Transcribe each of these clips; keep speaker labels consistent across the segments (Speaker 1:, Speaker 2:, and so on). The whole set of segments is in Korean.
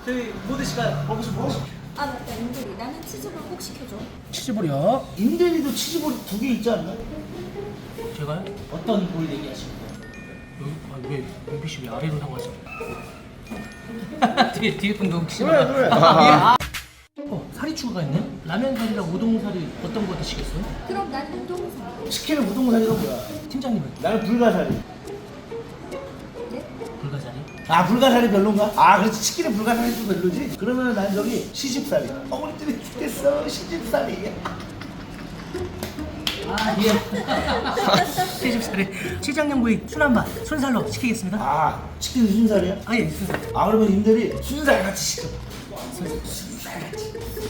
Speaker 1: 저희 뭐 드실까요?
Speaker 2: 먹으시 뭐?
Speaker 3: 아 맞다 인들이 나는 치즈볼 꼭 시켜줘.
Speaker 1: 치즈볼이요?
Speaker 2: 임대리도 치즈볼이 2개 있지 않나?
Speaker 1: 제가요?
Speaker 2: 어떤 볼 얘기하시는 거예요?
Speaker 1: 여기 왜 용비 씨왜 아래로 상하죠? 뒤에 분도 혹시
Speaker 2: 그래, 그래.
Speaker 1: 사리 추가가 있네? 라면 사리랑 우동 사리 어떤 거 드시겠어요?
Speaker 3: 그럼 난 우동사.
Speaker 2: 치킨은 우동사리가 뭐야?
Speaker 1: 팀장님은
Speaker 2: 나는 불가사리.
Speaker 3: 네?
Speaker 1: 불가사리?
Speaker 2: 아 불가사리 별론가? 아 그렇지 치킨은 불가사리도 별로지? 그러면 난 저기 시집살이. 어머니들이 죽겠어 시집살이.
Speaker 1: 아 예. 시집살이 시장님 부위 순한맛 순살로 시키겠습니다.
Speaker 2: 아 치킨 순살이야?
Speaker 1: 아예 순살.
Speaker 2: 아 그러면 임대리 순살 같이 시켜. 순살 같이.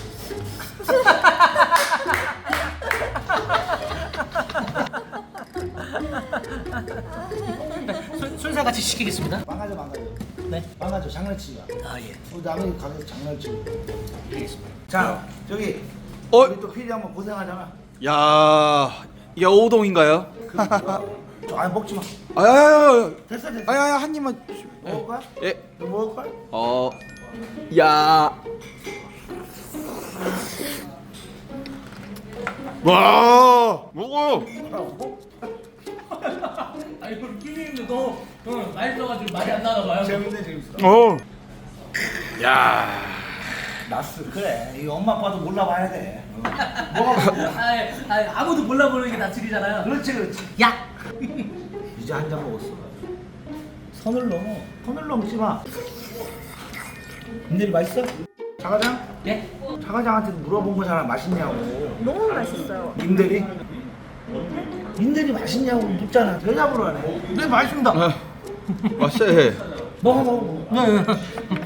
Speaker 1: 순살 같이 시키겠습니다.
Speaker 2: 망가져.
Speaker 1: 네.
Speaker 2: 망가져 장난치지 마.
Speaker 1: 아 예.
Speaker 2: 남의 가게에서 장난치고.
Speaker 1: 알겠습니다.
Speaker 2: 자 저기
Speaker 4: 어?
Speaker 2: 우리 또 피디 한번 고생하잖아.
Speaker 4: 야, 이게 오동인가요?
Speaker 2: 아 먹지 마.
Speaker 4: 아야야야,
Speaker 2: 됐어.
Speaker 4: 아야야 한 입만.
Speaker 2: 먹을 거야?
Speaker 4: 예.
Speaker 2: 너 먹을 거야?
Speaker 4: 야. 와, 먹어요.
Speaker 1: 아니 그럼 피디님도 너 맛있어가지고 말이 안 나나 봐요.
Speaker 2: 재밌어.
Speaker 4: 야.
Speaker 2: 나스 그래. 이 엄마 아빠도 몰라봐야 돼. 뭐가
Speaker 1: 아무도 몰라보는 게 낯질이잖아요.
Speaker 2: 그렇지.
Speaker 1: 야.
Speaker 2: 이제 한 잔 먹었어. 선을 넘지 마. 임대리 맛있어? 자가장?
Speaker 1: 네?
Speaker 2: 자가장한테 물어본 거잖아. 맛있냐고.
Speaker 3: 너무 맛있어요.
Speaker 2: 임대리? 임대리 맛있냐고 묻잖아. 대답을 하네. 네 맛있습니다.
Speaker 4: 맛있어.
Speaker 2: 먹어.
Speaker 1: 네.